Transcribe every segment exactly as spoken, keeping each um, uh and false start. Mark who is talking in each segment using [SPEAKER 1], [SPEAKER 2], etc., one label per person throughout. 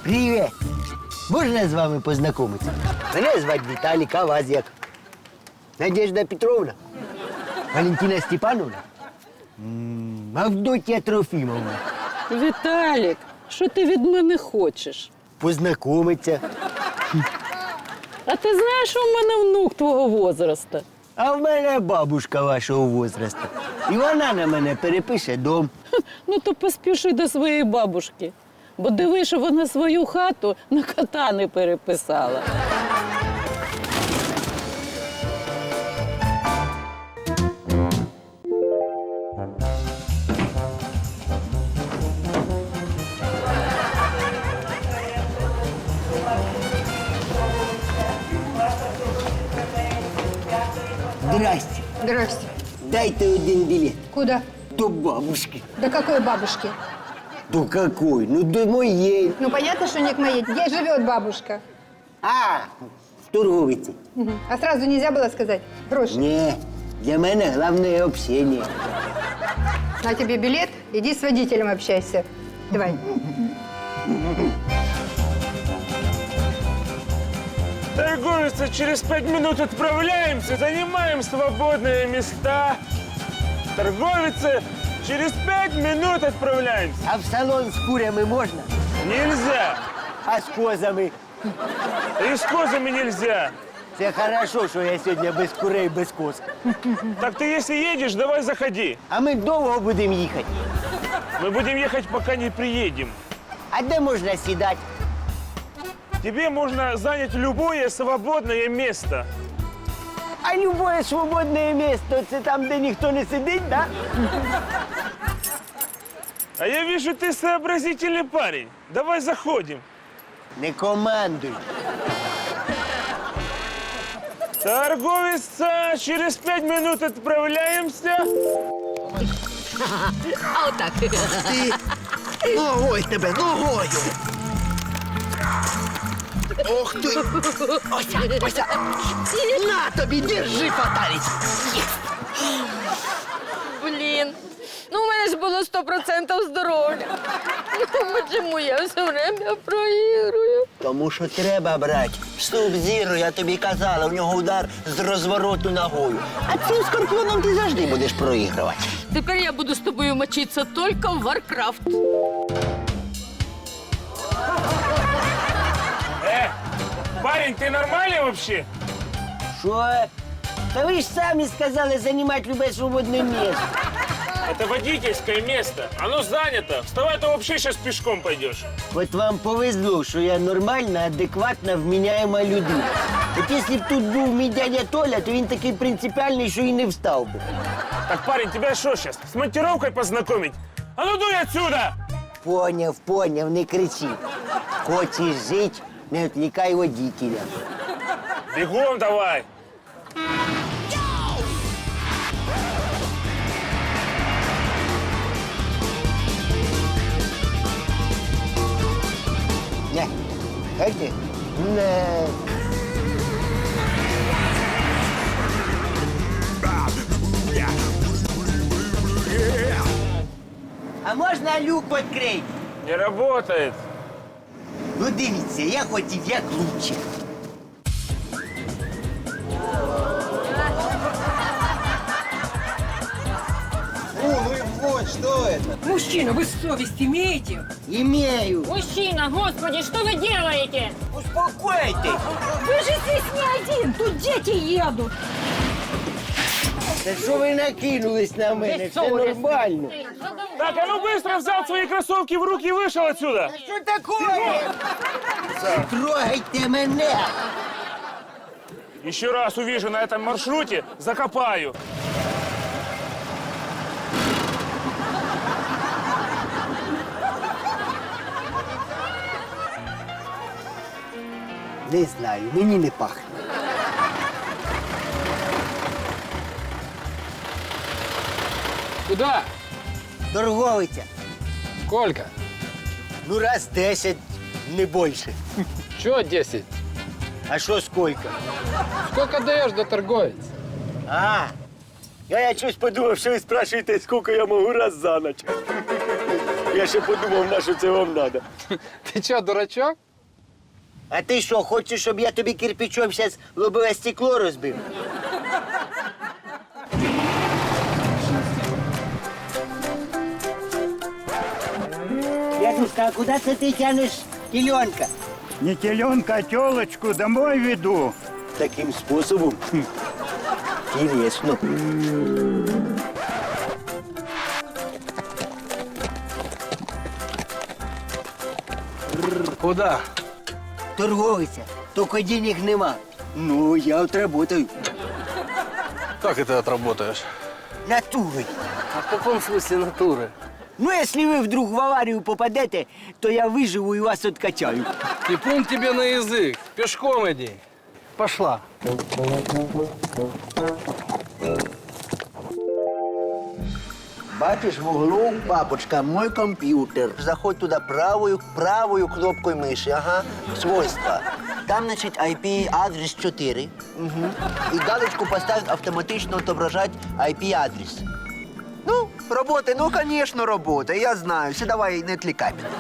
[SPEAKER 1] Привіт! Можна з вами познайомитися? Мене звати Віталік, а вас як? Надежда Петровна? Валентина Степановна? М, Авдотья Трофімовна?
[SPEAKER 2] Віталік, що ти від мене хочеш?
[SPEAKER 1] Познайомиться.
[SPEAKER 2] А ти знаєш, що в мене внук твого возраста?
[SPEAKER 1] А в мене бабушка вашого возрасту. І вона на мене перепише дом.
[SPEAKER 2] Ну то поспіши до своєї бабушки. Бо диви, що вона свою хату на кота не переписала.
[SPEAKER 1] Здрасте.
[SPEAKER 3] Здрасте.
[SPEAKER 1] Дайте один білет.
[SPEAKER 3] Куда?
[SPEAKER 1] До бабушки.
[SPEAKER 3] До какой бабушки?
[SPEAKER 1] До какой? Ну, до моєї.
[SPEAKER 3] Ну, понятно, что не к моей. Где живет бабушка?
[SPEAKER 1] А, в торговиці.
[SPEAKER 3] Мгм. А сразу нельзя было сказать? Гроши.
[SPEAKER 1] Ні, для мене головне общення.
[SPEAKER 3] На тебе билет, иди с водителем общайся. Давай.
[SPEAKER 4] Торговица, через пять минут отправляемся, занимаем свободные места. Торговица, через пять минут отправляемся.
[SPEAKER 1] А в салон з курями можна?
[SPEAKER 4] Нельзя.
[SPEAKER 1] А з козами?
[SPEAKER 4] И с козами нельзя.
[SPEAKER 1] Це хорошо, що я сьогодні без курей, без коз.
[SPEAKER 4] Так ты если едешь, давай заходи.
[SPEAKER 1] А ми довго будемо їхати.
[SPEAKER 4] Мы будем ехать, пока не приедем.
[SPEAKER 1] А де можна сідати?
[SPEAKER 4] Тебе можно занять любое свободное место.
[SPEAKER 1] А любое свободне місце – це там, де ніхто не сидить, да?
[SPEAKER 4] А я вижу, ты сообразительный парень. Давай заходим.
[SPEAKER 1] Не командуй.
[SPEAKER 4] Торговица, через пять минут отправляемся.
[SPEAKER 1] Ногою тебе, ногою! Ох ти! Ося, Ося! На тобі, держи, фаталість!
[SPEAKER 5] Блін, ну у мене ж було сто відсотків здоров'я. Ну чому я все время проігрую?
[SPEAKER 1] Тому що треба брати. Суб-зіро, я тобі казала, в нього удар з розвороту ногою. А цим скорпіоном ти завжди будеш проігрувати.
[SPEAKER 5] Тепер я буду з тобою мочитися тільки в Варкрафт.
[SPEAKER 4] Э, парень, ты нормальный вообще?
[SPEAKER 1] Що? Та ви ж самі сказали займати любе свободне місце.
[SPEAKER 4] Это водительское место. Оно занято. Вставай, ты вообще сейчас пешком пойдешь.
[SPEAKER 1] От вам повезло, що я нормальна, адекватна, вміняєма людина. От якщо б тут був мій дядя Толя, то він такий принципіальний, що і не встав би.
[SPEAKER 4] Так, парень, тебя что сейчас, с монтировкой познакомить? А ну дуй отсюда!
[SPEAKER 1] Поняв, поняв, не кричи. Хочеш жити, не відвлікай водителя.
[SPEAKER 4] Бегом давай!
[SPEAKER 1] Не, как ты? Не. А можна люк відкрити?
[SPEAKER 4] Не работает.
[SPEAKER 1] Ну дивіться, я хотів як лучше.
[SPEAKER 6] Мужчина, вы совесть имеете?
[SPEAKER 1] Имею.
[SPEAKER 7] Мужчина, господи, что вы делаете?
[SPEAKER 1] Успокойтесь.
[SPEAKER 6] Вы же здесь не один, тут дети едут.
[SPEAKER 1] Та що ви накинулись на мене? Все нормально.
[SPEAKER 4] Так, а ну быстро взял свои кроссовки в руки и вышел отсюда.
[SPEAKER 1] Що такое? Трогайте мене.
[SPEAKER 4] Еще раз увижу на этом маршруте, закопаю.
[SPEAKER 1] Не знаю, мені не пахне.
[SPEAKER 8] Куда?
[SPEAKER 1] Торговиця.
[SPEAKER 8] Сколько?
[SPEAKER 1] Ну, раз десять, не більше.
[SPEAKER 8] Чего десять?
[SPEAKER 1] А що скільки?
[SPEAKER 8] Сколько даешь до торговец?
[SPEAKER 1] А, я, я щось подумав, що ви спрашуєте, скільки я можу раз за ніч. Я ще подумав, на що це вам треба.
[SPEAKER 8] Ты что, дурачок?
[SPEAKER 1] А ти що, хочеш, щоб я тобі кирпичом зараз лобове стекло розбив? Дядюшка, а куди це ти тянеш теленка?
[SPEAKER 9] Не теленка, а телочку домой веду.
[SPEAKER 1] Таким способом? Хм. Интересно.
[SPEAKER 8] Куда?
[SPEAKER 1] Торговиця, тільки денег нема. Ну, я отработаю.
[SPEAKER 8] Как это отработаешь?
[SPEAKER 1] Натурой.
[SPEAKER 8] А в каком смысле натуры?
[SPEAKER 1] Ну, если вы вдруг в аварию попадете, то я выживу и вас откачаю.
[SPEAKER 8] И плюнь тебе на язык. Пешком иди. Пошла.
[SPEAKER 1] Бачиш, в углу, папочка, мой компьютер. Заходь туда правою, правою кнопкой мыши, ага, свойства. Там, значит, ай пи-адрес чотири. Угу. И галочку поставить автоматично отображать ай пи-адрес. Ну, работай, ну, конечно, работай, я знаю. Все, давай, не отвлекай меня.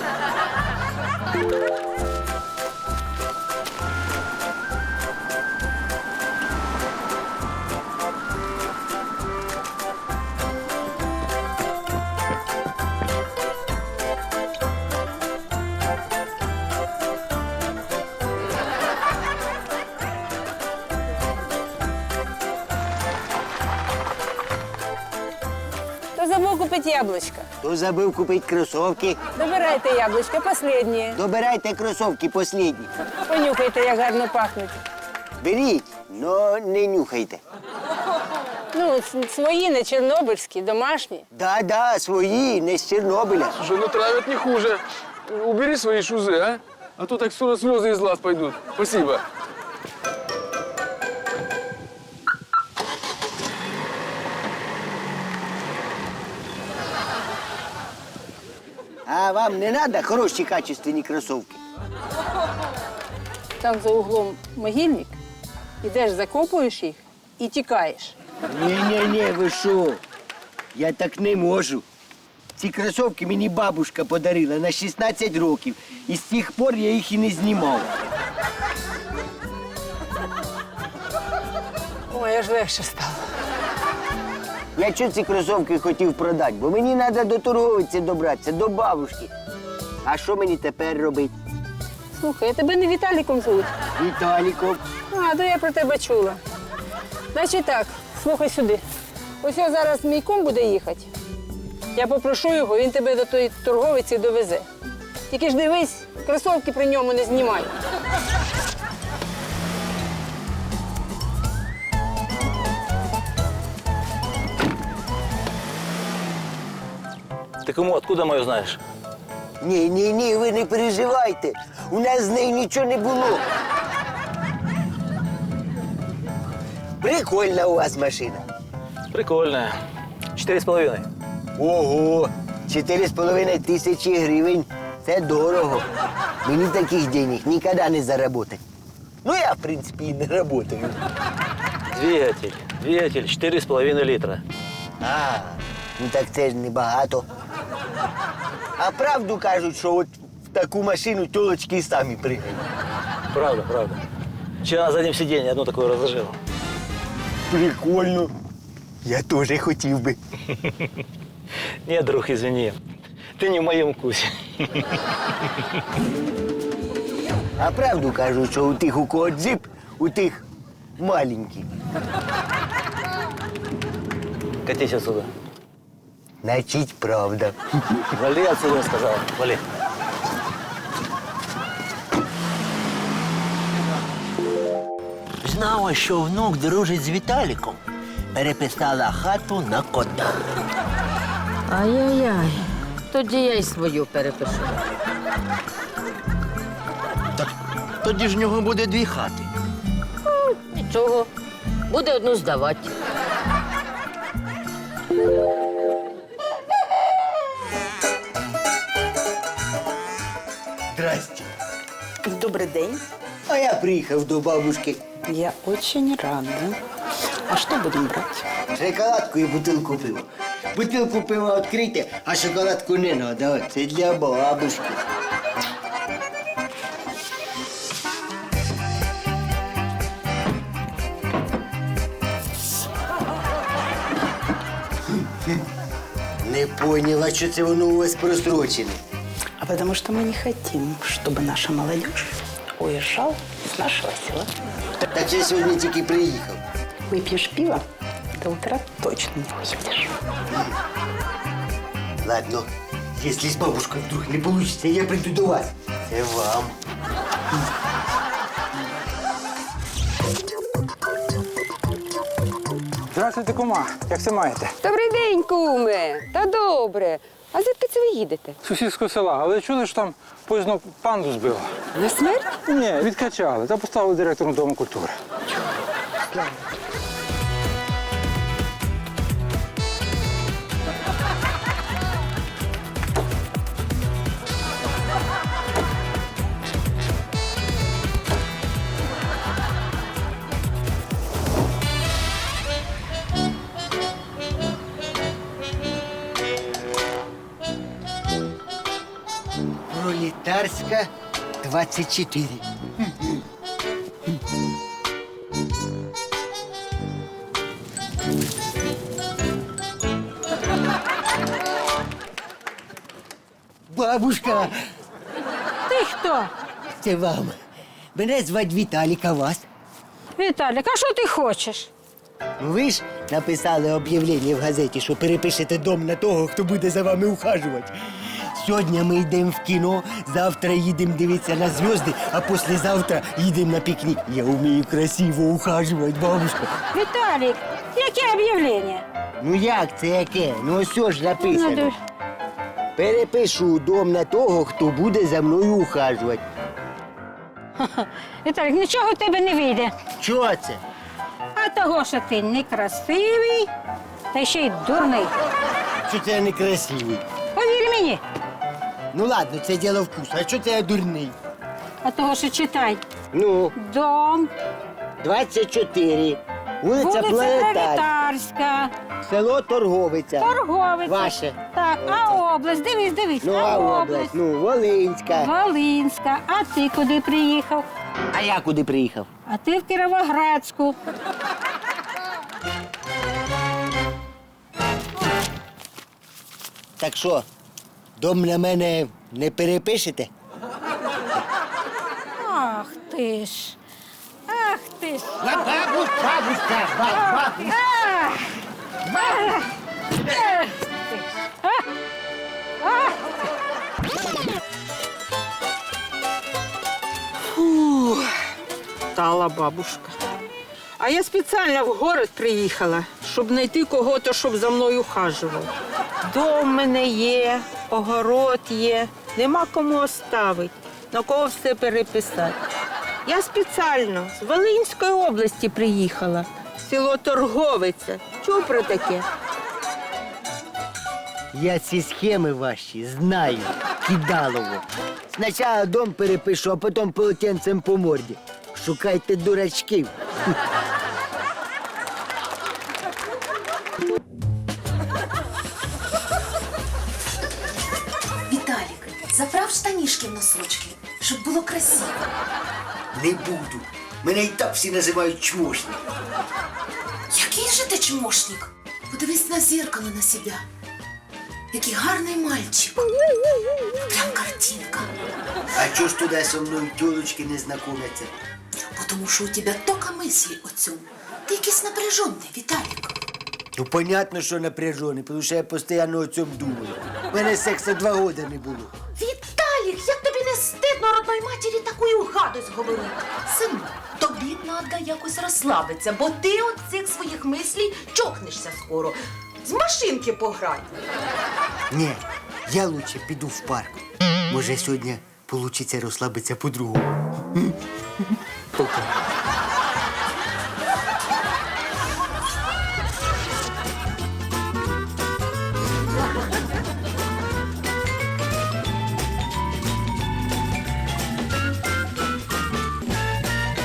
[SPEAKER 5] Кто забыл купить яблочко?
[SPEAKER 1] Хто забив купити кросовки?
[SPEAKER 5] Добирайте яблочко, последнее.
[SPEAKER 1] Добирайте кросовки последні.
[SPEAKER 5] Понюхайте, як гарно пахнуть.
[SPEAKER 1] Беріть, но не нюхайте.
[SPEAKER 5] Ну, с- свої, не чорнобильські, домашні.
[SPEAKER 1] Да-да, свої, не з Чорнобиля.
[SPEAKER 8] Слушай, ну травят не хуже. Убери свои шузы, а? А то так скоро слезы из глаз пойдут. Спасибо.
[SPEAKER 1] А вам не треба хороші качественні кросовки?
[SPEAKER 5] Там за углом могильник. Ідеш, закопуєш їх і тікаєш.
[SPEAKER 1] Ні-ні-ні, ви що? Я так не можу. Ці кросовки мені бабушка подарила на шістнадцять років. І з тих пор я їх і не знімав.
[SPEAKER 5] Ой, аж легше стало.
[SPEAKER 1] Я чого ці кросовки хотів продати? Бо мені треба до торговиці добратися, до бабушки. А що мені тепер робити?
[SPEAKER 5] Слухай, а тебе не Віталіком звуть?
[SPEAKER 1] Віталіком.
[SPEAKER 5] А, то я про тебе чула. Значить так, слухай сюди. Ось я зараз мій кум буде їхати. Я попрошу його, він тебе до тої торговиці довезе. Тільки ж дивись, кросовки при ньому не знімай.
[SPEAKER 10] Ты кому, откуда мою знаешь?
[SPEAKER 1] Ні, ні, ні, ви не переживайте. У нас з нею нічого не було. Прикольна у вас машина.
[SPEAKER 10] Прикольная. Четыре с половиной.
[SPEAKER 1] Ого, чотири з половиною тисячі гривень. Це дорого. Мені таких денег ніколи не заработать. Ну, я, в принципі, і не працюю.
[SPEAKER 10] Двигатель. Двигатель четыре с половиной литра.
[SPEAKER 1] А, ну так це ж небагато. А правду кажуть, що от в таку машину тілочки і самі пригають.
[SPEAKER 10] Правда, правда. Вчера на заднем сиденье одну такую разложил.
[SPEAKER 1] Прикольно. Я теж хотів би.
[SPEAKER 10] Нет, друг, извини. Ты не в моем вкусе.
[SPEAKER 1] А правду кажуть, що у тих, у кого джип, у тих маленький.
[SPEAKER 10] Катись отсюда.
[SPEAKER 1] Значить, правда.
[SPEAKER 10] Вали отсюда, я сказал. Вали.
[SPEAKER 1] Знала, що внук дружить з Віталіком. Переписала хату на кота.
[SPEAKER 5] Ай-яй-яй. Тоді я й свою перепишу.
[SPEAKER 1] Тоді ж в нього буде дві хати.
[SPEAKER 5] Нічого. Буде одну здавати.
[SPEAKER 1] Здрасте.
[SPEAKER 11] Добрый день.
[SPEAKER 1] А я приїхав до бабушки.
[SPEAKER 11] Я очень рада. А что будем брать?
[SPEAKER 1] Шоколадку і бутилку пива. Бутилку пива відкрийте, а шоколадку не надо. Це для бабушки. Не поняла, що це воно у вас просрочене.
[SPEAKER 11] А потому что мы не хотим, чтобы наша молодежь уезжала с нашего села.
[SPEAKER 1] Так я сьогодні тільки приїхав.
[SPEAKER 11] Выпьешь пиво, до утра точно не уедешь.
[SPEAKER 1] Ладно, если с бабушкой вдруг не получится, я приду до вас. Це вам.
[SPEAKER 12] Здравствуйте, кума. Як це маєте?
[SPEAKER 6] Добрий день, куме. Та добре. А звідки це ви їдете?
[SPEAKER 12] З сусідського села, але чули, що там поїзно панду збило?
[SPEAKER 6] На смерть?
[SPEAKER 12] Ні, відкачали та поставили директором Дому культури.
[SPEAKER 1] Пролетарська, двадцять чотири. Бабушка,
[SPEAKER 5] Ти хто?
[SPEAKER 1] це вам. Мене звати Віталік, а вас?
[SPEAKER 5] Віталік, а що ти хочеш?
[SPEAKER 1] Ну, ви ж написали об'явлення в газеті, що перепишете дом на того, хто буде за вами ухажувати. Сьогодні ми йдемо в кіно, завтра їдемо дивитися на зв'язки, а післязавтра їдемо на пікнік. Я вмію красиво ухажувати, бабушка.
[SPEAKER 5] Віталік, яке об'явлення?
[SPEAKER 1] Ну як це яке? Ну ось що ж написано. Перепишу дом на того, хто буде за мною ухажувати.
[SPEAKER 5] Віталік, нічого в тебе не вийде.
[SPEAKER 1] Чого це?
[SPEAKER 5] А того, що ти некрасивий, та ще й дурний.
[SPEAKER 1] Що це я некрасивий?
[SPEAKER 5] Повір мені.
[SPEAKER 1] Ну ладно, це діло вкусу. А що це я дурний?
[SPEAKER 5] А того, що читай.
[SPEAKER 1] Ну,
[SPEAKER 5] Дом,
[SPEAKER 1] двадцять чотири. Вулиця
[SPEAKER 5] вулиця
[SPEAKER 1] Пролетарська.
[SPEAKER 5] Пролетарська,
[SPEAKER 1] Село Торговиця.
[SPEAKER 5] Торговиця.
[SPEAKER 1] Ваше.
[SPEAKER 5] Так, а область, дивись, дивись.
[SPEAKER 1] Ну, а область? Ну, Волинська.
[SPEAKER 5] Волинська. А ти куди приїхав?
[SPEAKER 1] А я куди приїхав?
[SPEAKER 5] А ти в Кіровоградську.
[SPEAKER 1] Так що, дом на мене не перепишете?
[SPEAKER 5] Ах ти ж. Ах ти ж.
[SPEAKER 1] Бабусь, бабуська, бабусь.
[SPEAKER 5] Ах! Ах! Ах ти ж. А? Ах!
[SPEAKER 6] Фух, стала бабушка. А я спеціально в город приїхала, щоб знайти кого-то, щоб за мною ухажував. Дом в мене є, огород є, нема кому оставити, на кого все переписати. Я спеціально з Волинської області приїхала, село Торговиця. Чув про таке?
[SPEAKER 1] Я ці схеми ваші знаю, кидалово. Спочатку дом перепишу, а потім полотенцем по морді. Шукайте дурачків.
[SPEAKER 13] Віталік, заправ штанішки в носочки, щоб було красиво.
[SPEAKER 1] Не буду. Мене і так всі називають чмошник.
[SPEAKER 13] Який же ти чмошник? Подивись на зеркало на себе. Який гарний мальчик. Прям картинка.
[SPEAKER 1] А чого ж туди со мною тілочки не знайомляться?
[SPEAKER 13] Бо тому що у тебе тока мислі о цьому. Ти якийсь напряжений, Віталік.
[SPEAKER 1] Ну, понятно, що напряжений, тому що я постійно о цьому думаю. У мене сексу два роки не було.
[SPEAKER 13] Віталік, як тобі не стидно родної матері таку гадость говорити? Сину, тобі треба якось розслабитися, бо ти від цих своїх мислій чокнешся скоро. З машинки пограй.
[SPEAKER 1] Ні, я лучше піду в парк. Може, сьогодні вийде розслабитися по-другому. Пока.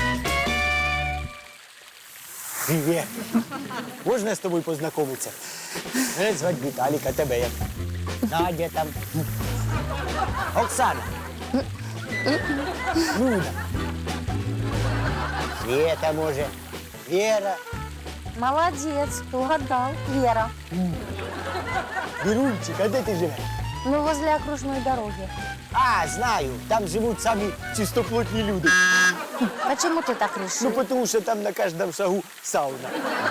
[SPEAKER 1] Привет. Можна з тобою познайомитися? Мене звати Віталік, а тебе як? Надя там. Оксана. Люда. Света, може. Вера.
[SPEAKER 14] Молодец, угадал. Вера.
[SPEAKER 1] Вірунчик, а де ти живеш?
[SPEAKER 14] Ну, возле окружной дороги.
[SPEAKER 1] А, знаю, там живуть самі чистоплотні люди.
[SPEAKER 14] Почему ты так решил?
[SPEAKER 1] Ну, тому що там на кожному шагу сауна.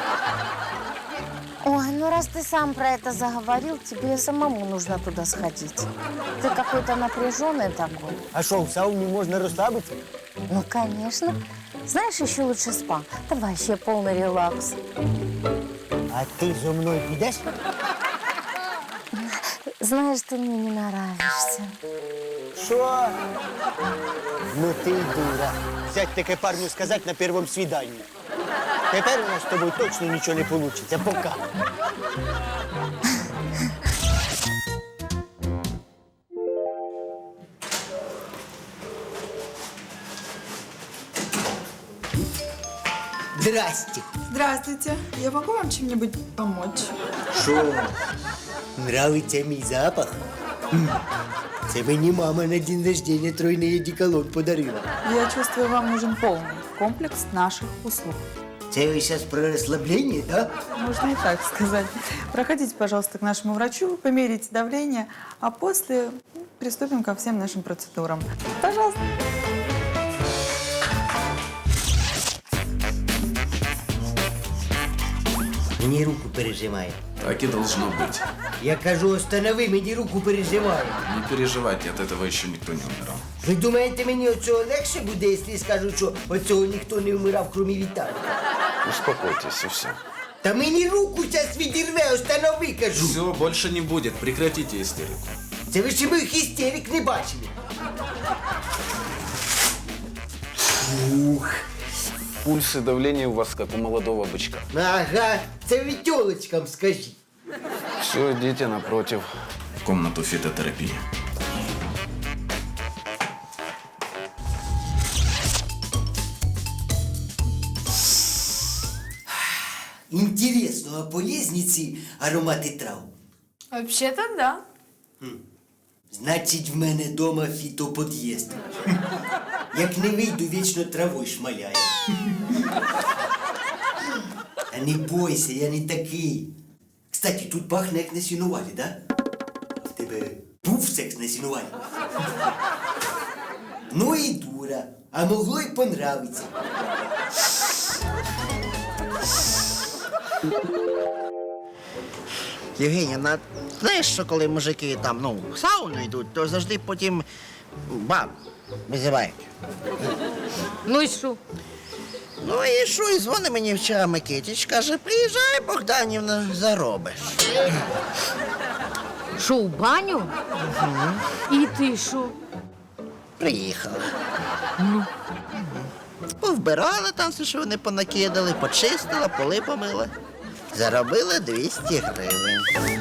[SPEAKER 14] Ой, ну раз ты сам про это заговорил, тебе самому нужно туда сходить. Ты какой-то напряженный такой.
[SPEAKER 1] А що, в сауні можна розслабитися?
[SPEAKER 14] Ну, конечно. Знаешь, еще лучше спа. Там вообще полный релакс.
[SPEAKER 1] А ти зо мною підеш?
[SPEAKER 14] Знаешь, ты мне не нравишься.
[SPEAKER 1] Що? Ну ти дура. Сядь таке парню сказати на першому свіданні. Тепер у нас з тобою точно нічого не вийде. Пока. Здрасте.
[SPEAKER 15] Здравствуйте. Я могу вам чем-нибудь помочь?
[SPEAKER 1] Що? Нравиться мій запах? М. Це мені мама на день рождения тройний одеколон подарила.
[SPEAKER 15] Я чувствую, вам нужен полный комплекс наших услуг.
[SPEAKER 1] Це ви зараз про розслаблення, да?
[SPEAKER 15] Можно и так сказать. Проходите, пожалуйста, к нашему врачу, померите давление, а после приступим ко всем нашим процедурам. Пожалуйста.
[SPEAKER 1] Мені руку пережимає.
[SPEAKER 16] Так и должно быть.
[SPEAKER 1] Я кажу, останови, мені руку пережимає.
[SPEAKER 16] Не переживайте, от этого еще никто не умирал.
[SPEAKER 1] Ви думаєте, мені оцього легше буде, якщо скажу, що оцього ніхто не вмирав, крім Віталія?
[SPEAKER 16] Успокойтесь, и все.
[SPEAKER 1] Та мені руку зараз відірве, останови, кажу.
[SPEAKER 16] Все, больше не будет. Прекратите истерику.
[SPEAKER 1] Це ви ще моїх істерик не бачили. Ух.
[SPEAKER 16] Пульс и давление у вас как у молодого бычка.
[SPEAKER 1] Ага, це ви тьолочкам скажіть.
[SPEAKER 16] Все, идите напротив. В комнату фитотерапии.
[SPEAKER 1] Інтересно, а полезні ці аромати трав?
[SPEAKER 15] Вообще-то да.
[SPEAKER 1] Значить, в мене дома фітопод'їзд. Як не вийду, вічно травою шмаляє. А не бойся, я не такий. Кстати, тут пахне як на сінувалі, да? А в тебе був секс на сінувалі? Ну і дура, а могло й понравиться.
[SPEAKER 17] Євгенія, знаєш, що коли мужики там, ну, в сауну йдуть, то завжди потім баб визивають.
[SPEAKER 14] Ну и что?
[SPEAKER 17] Ну і що, і дзвонить мені вчора Микитич, каже, приїжджай, Богданівна, заробиш.
[SPEAKER 14] Шо, в баню? И ты шо?
[SPEAKER 17] Приїхала. Ну? Повбирала там все, що вони понакидали, почистила, поли помила. Заробила двісті гривень.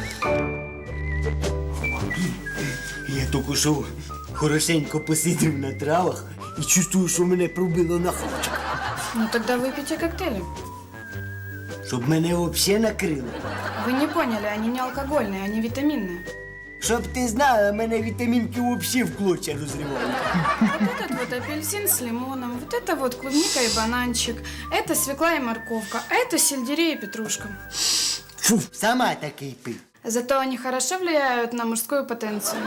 [SPEAKER 1] Я тільки що хорошенько посидів на травах і чувствую, що мене пробило на хавчик.
[SPEAKER 15] Ну тогда выпейте коктейли.
[SPEAKER 1] Щоб мене взагалі накрило.
[SPEAKER 15] Вы не поняли, они не алкогольные, они витаминные.
[SPEAKER 1] Щоб ти знала, мене вітамінки взагалі в клочья розривають.
[SPEAKER 15] Вот этот вот апельсин с лимоном, вот это вот клубника и бананчик, это свекла и морковка, а это сельдерей и петрушка.
[SPEAKER 1] Фу, сама такий пив.
[SPEAKER 15] Зато они хорошо влияют на мужскую потенцию.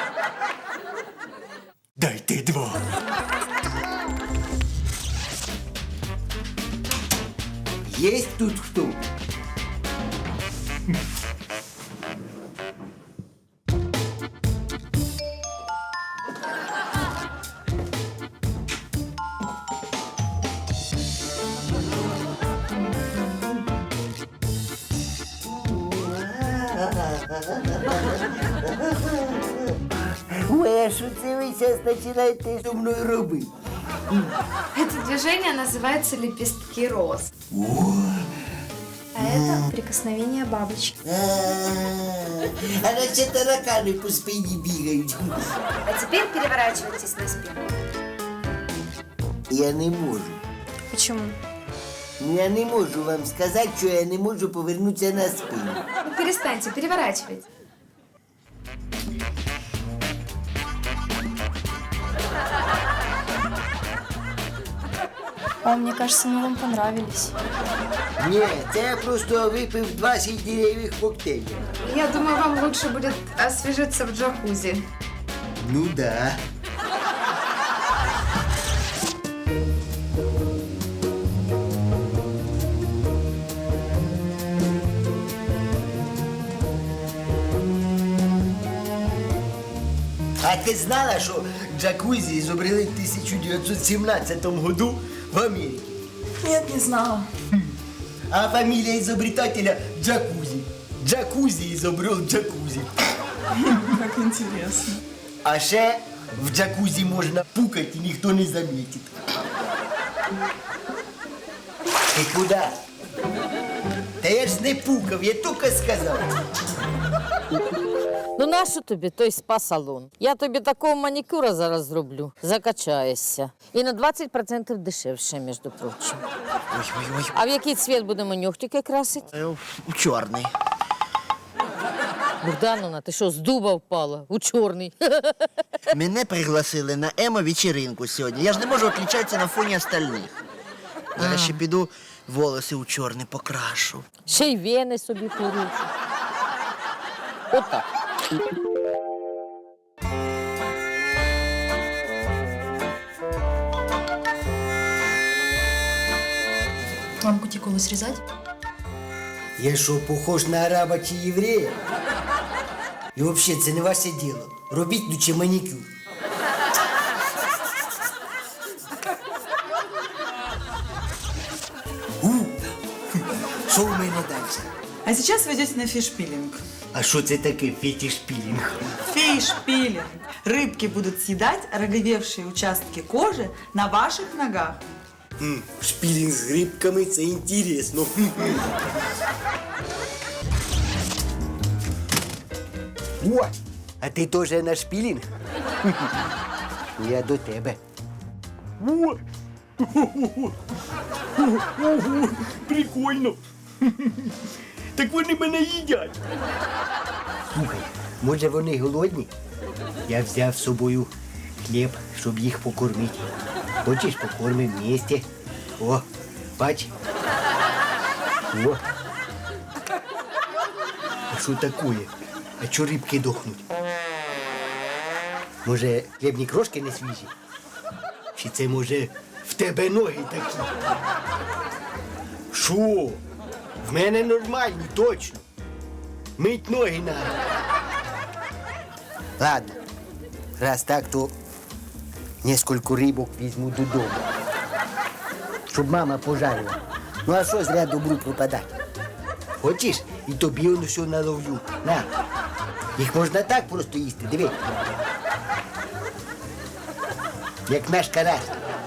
[SPEAKER 1] Дайте два. Есть тут кто? Ой, а що це ви зараз починаєте зі мною робити?
[SPEAKER 18] Это движение называется лепестки роз.
[SPEAKER 1] О,
[SPEAKER 18] А это прикосновение бабочки.
[SPEAKER 1] а наче таракани по спині бігають.
[SPEAKER 18] А теперь переворачивайтесь на спину.
[SPEAKER 1] Я не можу.
[SPEAKER 18] Почему?
[SPEAKER 1] Я не можу вам сказати, що я не можу повернутися на спину.
[SPEAKER 18] Ну, перестаньте, переворачивайте. О, мне кажется, мы вам понравились.
[SPEAKER 1] Ні, це я просто випив двадцять дерев'яних коктейлів.
[SPEAKER 18] Я думаю, вам лучше будет освежиться в джакузи.
[SPEAKER 1] Ну да. А ти знала, що джакузі изобрели в тисяча дев'ятсот сімнадцятому году в Америке?
[SPEAKER 15] Нет, не знала.
[SPEAKER 1] А фамилия изобретателя Джакузи. Джакузи изобрел джакузи.
[SPEAKER 15] Как интересно.
[SPEAKER 1] А ще в джакузі можна пукати і ніхто не замітить. Ти куди? Та я ж не пукав, я тільки сказав.
[SPEAKER 19] Ну нащо тобі той спа-салон? Я тобі такого манікюра зараз зроблю. Закачаєшся. І на двадцять відсотків дешевше, між прочим.
[SPEAKER 17] Ой-ой-ой.
[SPEAKER 19] А в який цвіт будемо нігтики красити?
[SPEAKER 17] У чорний.
[SPEAKER 19] Богдановна, ти що, з дуба впала? У чорний.
[SPEAKER 17] Мене пригласили на емо-вечеринку сьогодні. Я ж не можу відлічатися на фоні остальних. Зараз ще піду волоси у чорний покрашу.
[SPEAKER 19] Ще й вени собі поручу. Отак.
[SPEAKER 13] Вам кутикулу срезать?
[SPEAKER 1] Я що, похож на араба чи єврея? І взагалі, це не ваше діло. Робіть лучше манікюр. У, що у мене далі?
[SPEAKER 15] А сейчас вы идете на фиш-пилинг.
[SPEAKER 1] А що це таке фетиш-пілінг?
[SPEAKER 15] Фиш-пилинг. Рыбки будут съедать роговевшие участки кожи на ваших ногах.
[SPEAKER 1] М, шпілінг з грибками – це інтересно. О, а ти теж на шпілінг? Я до тебе. О! Ого, прикольно. Так вони мене їдять. Слухай, може вони голодні? Я взяв з собою хліб, щоб їх покормити. Хочеш, покормимо вместе? О, бач. О. А що таке? А чого рибки дохнуть? Може, хлібні крошки не свіжі? Чи це, може, в тебе ноги такі? Що? В мене нормальні, точно. Мить ноги надо. Ладно, раз так, то несколько рибок візьму додому. Щоб мама пожарила. Ну а що зря добру пропадати? Хочеш? І тобі воно все наловлю. На. Їх можна так просто їсти, диви. Як наш карась.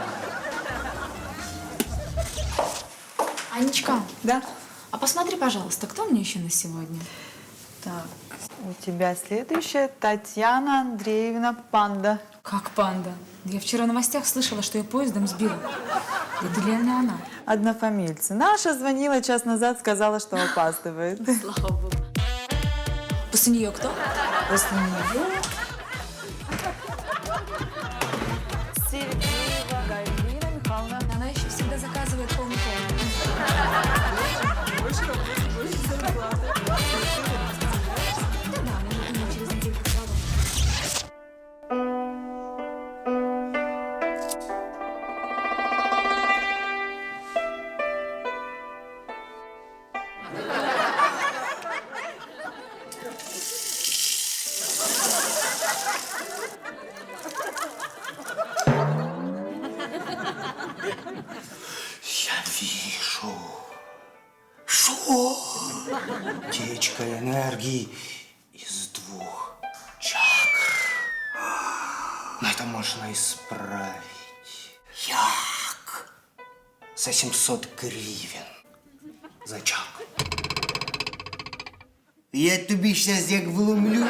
[SPEAKER 18] Анечка.
[SPEAKER 15] Да?
[SPEAKER 18] А посмотри, пожалуйста, кто мне еще на сегодня?
[SPEAKER 15] Так, у тебя следующая Татьяна Андреевна Панда.
[SPEAKER 18] Как панда? Я вчера в новостях слышала, что ее поездом сбила. Это реально она.
[SPEAKER 15] Однофамильцы. Наша звонила час назад, сказала, что опаздывает.
[SPEAKER 18] Слава богу. После нее кто?
[SPEAKER 15] После нее... Сергеева Галина Михайловна.
[SPEAKER 18] Она еще всегда заказывает полный пол.
[SPEAKER 15] Больше работы, больше зарплаты.
[SPEAKER 18] Да-да, мне думаю, через недельку сразу.
[SPEAKER 1] Я вижу. Что? Течка энергии из двух чакр. Но это можно исправить. Як? За семьсот гривен. За чакру. Я тобі сейчас як вломлю.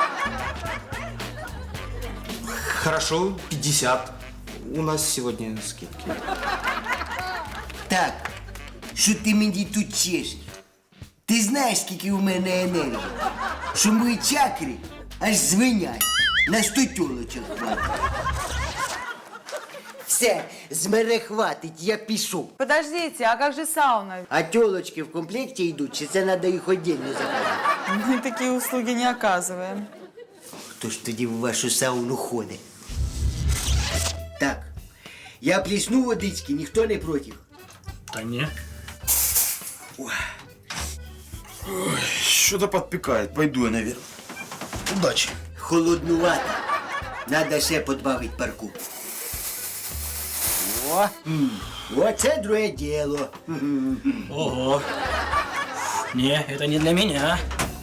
[SPEAKER 16] Хорошо, пятьдесят. У нас сегодня скидки.
[SPEAKER 1] Так, що ти мені тут чешеш? Ти знаєш, скільки у мене енергії? Що мої чакри аж звенять. На сто тілочок хватить. Все, з мене хватить, я пішов.
[SPEAKER 15] Подождите, а как же сауна?
[SPEAKER 1] А тілочки в комплекті йдуть, чи це треба їх віддільно заказати?
[SPEAKER 15] Мы такие услуги не оказываем.
[SPEAKER 1] Хто ж тоді в вашу сауну ходить? Так, я плесну водички, ніхто не проти.
[SPEAKER 10] Та ні.
[SPEAKER 16] Что-то подпекает. Пойду я наверх. Удачи.
[SPEAKER 1] Холоднувато. Надо ще подбавить парку. О, м, оце друге діло.
[SPEAKER 10] Ого. Не, это не для меня.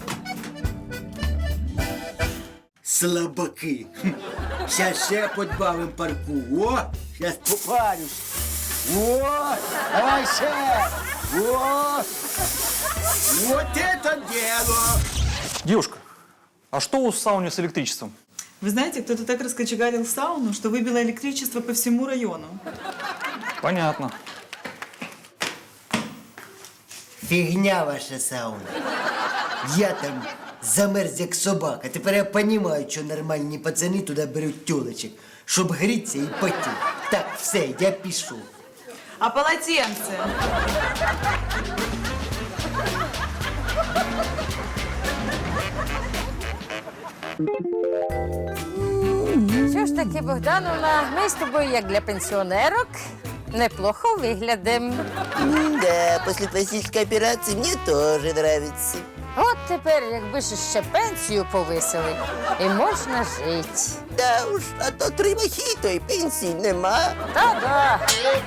[SPEAKER 1] Слабаки. Щас ще подбавим парку. О, щас попарюсь. О, давай ще. О, вот это дело.
[SPEAKER 12] Девушка, а что у сауны с электричеством?
[SPEAKER 15] Вы знаете, кто-то так раскочегарил сауну, что выбило электричество по всему району.
[SPEAKER 12] Понятно.
[SPEAKER 1] Фігня ваша сауна. Я там замерз як собака. Тепер я розумію, що нормальні пацани туди беруть тілочок, щоб грітися і потіти. Так, все, я пішов.
[SPEAKER 15] А полотенце?
[SPEAKER 19] Що ж таки, Богдановна, ми з тобою, як для пенсіонерок, неплохо виглядим.
[SPEAKER 17] Да, после пластической операции мне тоже нравится.
[SPEAKER 19] От тепер, якби ж ще пенсію повисили, і можна жити.
[SPEAKER 17] Да уж, а то три мохіто і пенсії нема.
[SPEAKER 19] Та-да.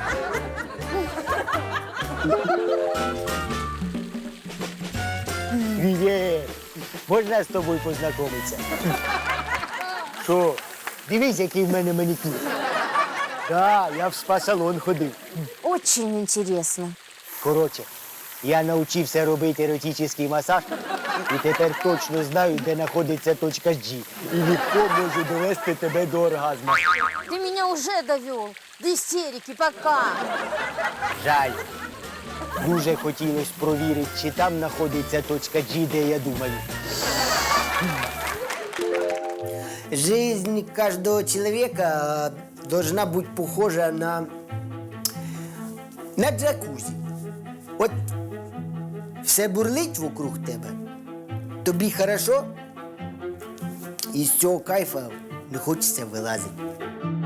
[SPEAKER 1] Привіт! Можна з тобою познайомитися? Що? Дивись, який в мене манікюр. Так, я в спа-салон ходив.
[SPEAKER 14] Очень интересно.
[SPEAKER 1] Коротше, я навчився робити еротичний масаж і тепер точно знаю, де знаходиться точка G. І легко можу довести тебе до оргазму.
[SPEAKER 19] Ты меня уже довел до истерики, пока.
[SPEAKER 1] Жаль. Дуже хотілося провірити, чи там знаходиться точка G, де я думаю. Жизнь каждого человека должна быть похожа на... на джакузі. От все бурлить вокруг тебе, тобі хорошо, і з цього кайфа не хочеться вилазити.